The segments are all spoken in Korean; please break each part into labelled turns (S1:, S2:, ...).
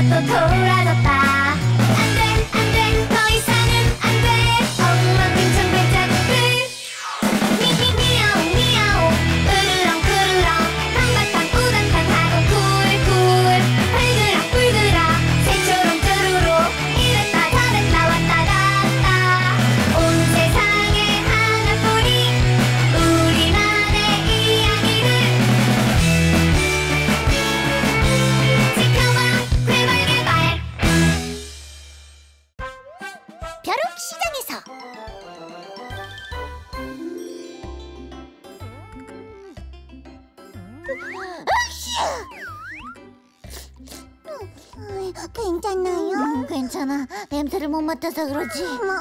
S1: 또 돌아졌다. 안돼 더 이상은 안돼. 엉망진창 발자국들 미야오 미야오 으르렁 한바탕 우당탕 하고 쿨쿨 불그락 새처럼 쭈루루 이랬다 저랬다 왔다 갔다. 온 세상에 하나뿐인 우리만의 이야기를 지켜봐 괴발괴발. 벼룩 시장에서 괜찮나요? 괜찮아. 냄새를 못 맡아서 그러지. 어머,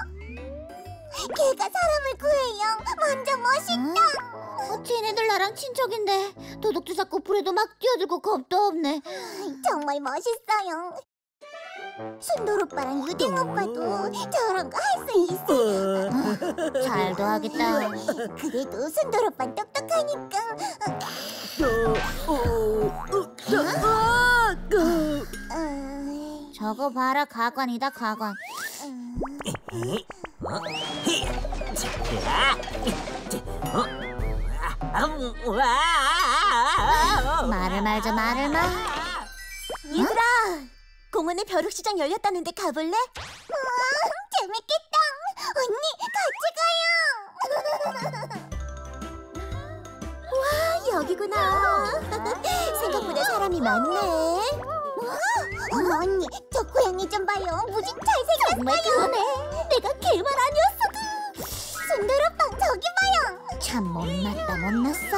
S1: 걔가 사람을 구해요. 완전 멋있다. 쟤네들 나랑 친척인데 도둑도 잡고 불에도 막 뛰어들고 겁도 없네. 정말 멋있어요. 순돌 오빠랑 유댕 오빠도 저런 거 할 수 있어. 잘도 하겠다. 그래도 순돌 오빠는 똑똑하니까. 저거 봐라, 가관이다, 가관. 말을 말자, 말을 말. 얘들아, 공원에 벼룩시장 열렸다는데 가볼래? 재밌겠다. 언니, 같이 가요. 와, 여기구나. 생각보다 사람이 많네. 어머, 언니, 저 고양이 좀 봐요. 무지 잘생겼어요. 정말 그러네. 내가 걔만 아니었어도. 순돌오빵 저기 봐요. 참 못났다, 못났어.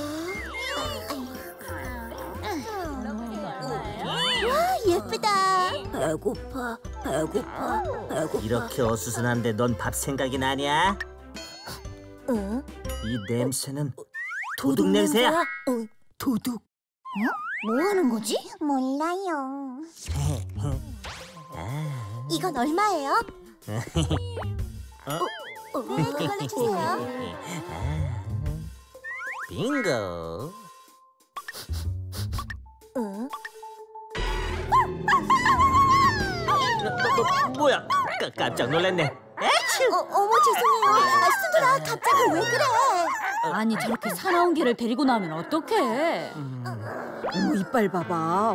S1: 와, 예쁘다. 배고파.
S2: 이렇게 어수선한데 넌 밥 생각이 나냐?
S1: 응?
S2: 이 냄새는 도둑 냄새야.
S1: 도둑? 뭐 하는 거지? 몰라요. 이건 얼마예요? 네, 그걸로 주세요.
S2: 빙고.
S1: 응?
S2: 뭐야? 깜짝 놀랐네.
S1: 어머, 죄송해요. 순돌아, 갑자기 왜 그래?
S3: 아니 저렇게 사나운 개를 데리고 나오면 어떡해? 어머 이빨 봐봐.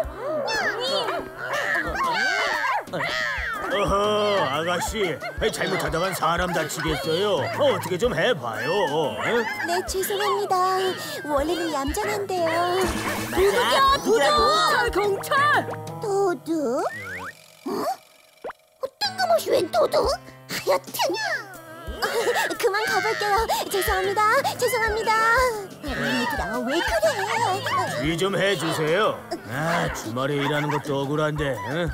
S4: 어허, 아가씨, 잘못하다간 사람 다치겠어요. 어떻게 좀 해봐요.
S1: 네, 죄송합니다. 원래는 얌전한데요.
S2: 도둑이야, 도둑!
S3: 경찰!
S1: 도둑? 뜬금없이 웬 도둑? 하여튼 그만 가볼게요. 죄송합니다. 얘들아, 왜 그래?
S4: 이 좀 해주세요. 주말에 일하는 것도 억울한데. 응?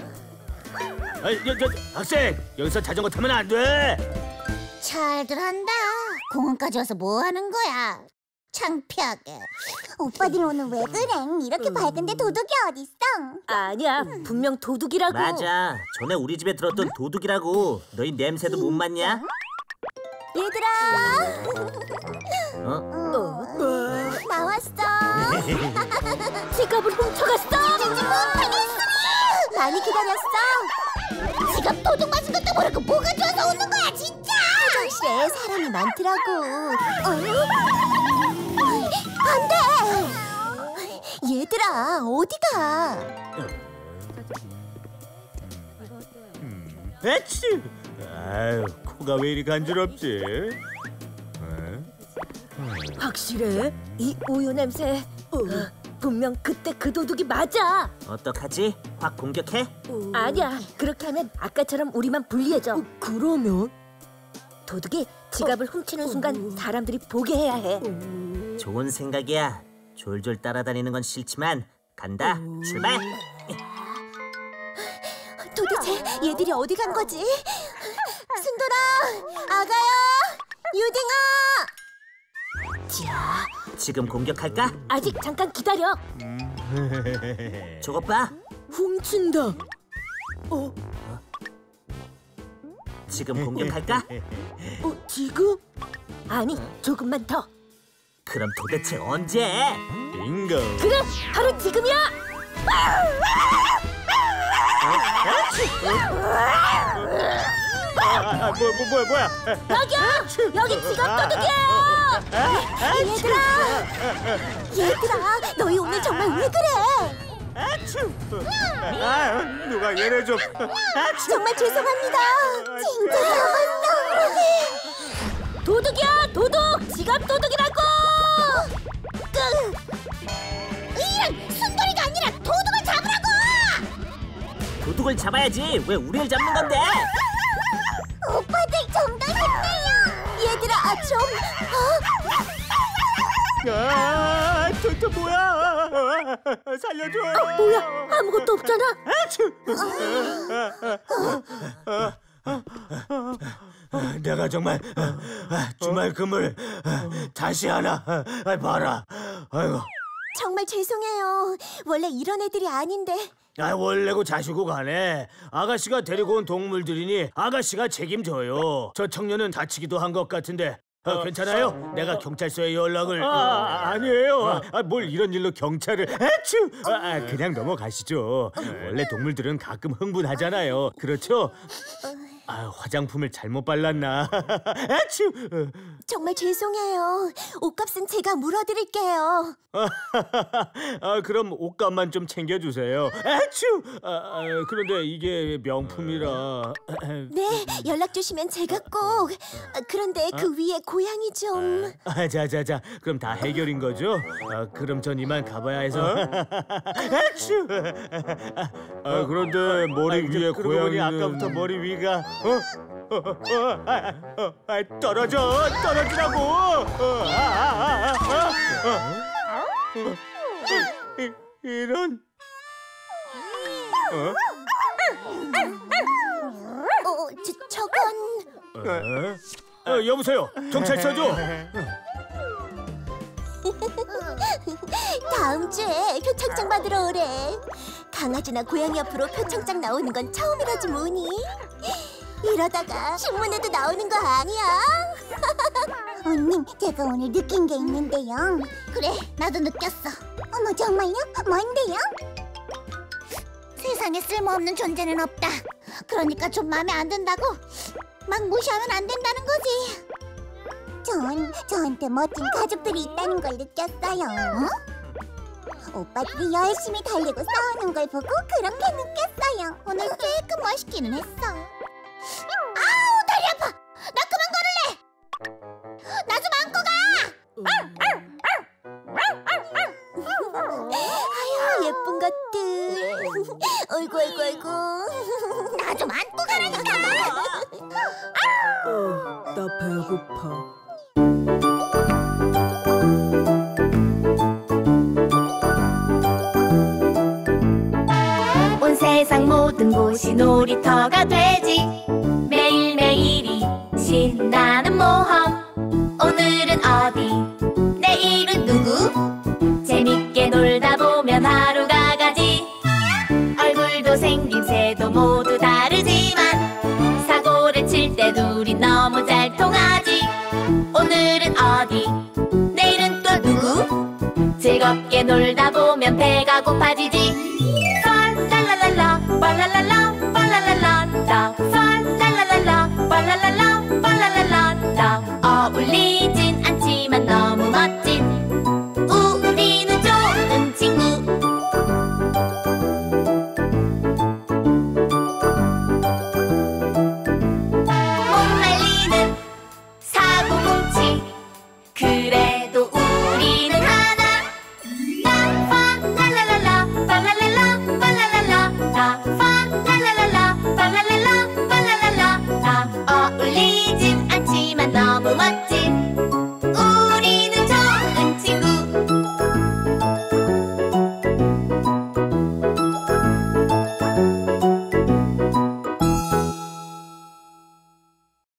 S4: 학생, 여기서 자전거 타면 안 돼.
S1: 잘들 한다. 공원까지 와서 뭐 하는 거야? 창피하게. 오빠들 오늘 왜 그래? 이렇게 밝은데 도둑이 어딨어?
S3: 아니야 분명 도둑이라고.
S2: 맞아. 전에 우리 집에 들었던 도둑이라고. 너희 냄새도 못 맡냐?
S1: 얘들아, 나왔어.
S3: 지갑을 훔쳐갔어.
S1: 많이 기다렸어. 지갑 도둑 맞은 것도 모르고 뭐가 좋아서 오는 거야, 진짜. 화장실에 사람이 많더라고. 안 돼. 얘들아, 어디가?
S4: 에치. 아유, 코가 왜 이리 간지럽지?
S3: 확실해? 이 우유 냄새. 분명 그때 그 도둑이 맞아.
S2: 어떡하지? 확 공격해?
S3: 아니야. 그렇게 하면 아까처럼 우리만 불리해져. 그러면? 도둑이 지갑을 훔치는 순간 사람들이 보게 해야 해.
S2: 좋은 생각이야. 졸졸 따라다니는 건 싫지만 간다. 출발!
S1: 도대체 얘들이 어디 간 거지? 순돌아, 아가야, 유딩아.
S3: 자,
S2: 지금 공격할까?
S3: 아직 잠깐 기다려.
S2: 저것 봐.
S3: 훔친다.
S2: 지금 공격할까?
S3: 지금? 아니, 조금만 더.
S2: 그럼 도대체 언제?
S4: 빙고.
S3: 그래, 바로 지금이야.
S4: 뭐야?
S3: 여기요! 여기 지갑 도둑이에요!
S1: 얘들아, 너희 오늘 정말 왜 그래?
S4: 누가 얘네 좀.
S1: 정말 죄송합니다. 진짜 잡았어.
S3: 도둑이야! 도둑! 지갑 도둑이라고!
S1: 이런 순돌이가 아니라 도둑을 잡으라고!
S2: 도둑을 잡아야지. 왜 우리를 잡는 건데?
S1: 오빠들 좀 더 힘내요. 얘들아, 좀.
S4: 저 뭐야? 살려줘요.
S3: 뭐야? 아무것도 없잖아.
S4: 내가 정말 주말 금을 다시 하나 봐라. 아이고.
S1: 정말 죄송해요. 원래 이런 애들이 아닌데.
S4: 원래고 자시고 가네. 아가씨가 데리고 온 동물들이니 아가씨가 책임져요. 저 청년은 다치기도 한 것 같은데 괜찮아요? 내가 경찰서에 연락을. 아니에요. 뭘 이런 일로 경찰을. 그냥 넘어가시죠. 원래 동물들은 가끔 흥분하잖아요. 그렇죠? 화장품을 잘못 발랐나?
S1: 정말 죄송해요. 옷값은 제가 물어드릴게요.
S4: 그럼 옷값만 좀 챙겨주세요. 그런데 이게 명품이라.
S1: 네, 연락 주시면 제가 꼭. 그런데 그 위에 고양이 좀.
S4: 자자자, 그럼 다 해결인 거죠? 그럼 전 이만 가봐야 해서. 그런데 머리 위에 고양이는. 아까부터 머리 위가 떨어지라고. 이런.
S1: 저건.
S4: 여보세요, 경찰서죠?
S1: 다음 주에 표창장 받으러 오래. 강아지나 고양이 앞으로 표창장 나오는 건 처음이라지 뭐니. 이러다가 신문에도 나오는 거 아니야? 언니, 제가 오늘 느낀 게 있는데요. 그래, 나도 느꼈어. 어머, 정말요? 뭔데요? 세상에 쓸모없는 존재는 없다. 그러니까 좀 마음에 안 든다고 막 무시하면 안 된다는 거지. 저한테 멋진 가족들이 있다는 걸 느꼈어요. 오빠들이 열심히 달리고 싸우는 걸 보고 그렇게 느꼈어요. 오늘 조금 멋있기는 했어. 아우, 다리 아파. 나 그만 걸을래. 나 좀 안고 가. 아유, 예쁜 것들. 어이구. 나 좀 안고 가라니까.
S3: 나 배고파.
S5: 온 세상 모든 곳이 놀이터가 되지. 매일매일이 신나는 모험. 오늘은 어디, 내일은 누구. 재밌게 놀다 보면 하루가 가지. 얼굴도 생김새도 모두 다르지만 사고를 칠 때 둘이 너무 잘 통하지. 오늘은 어디, 내일은 또 누구. 즐겁게 놀다 보면 배가 고파지지.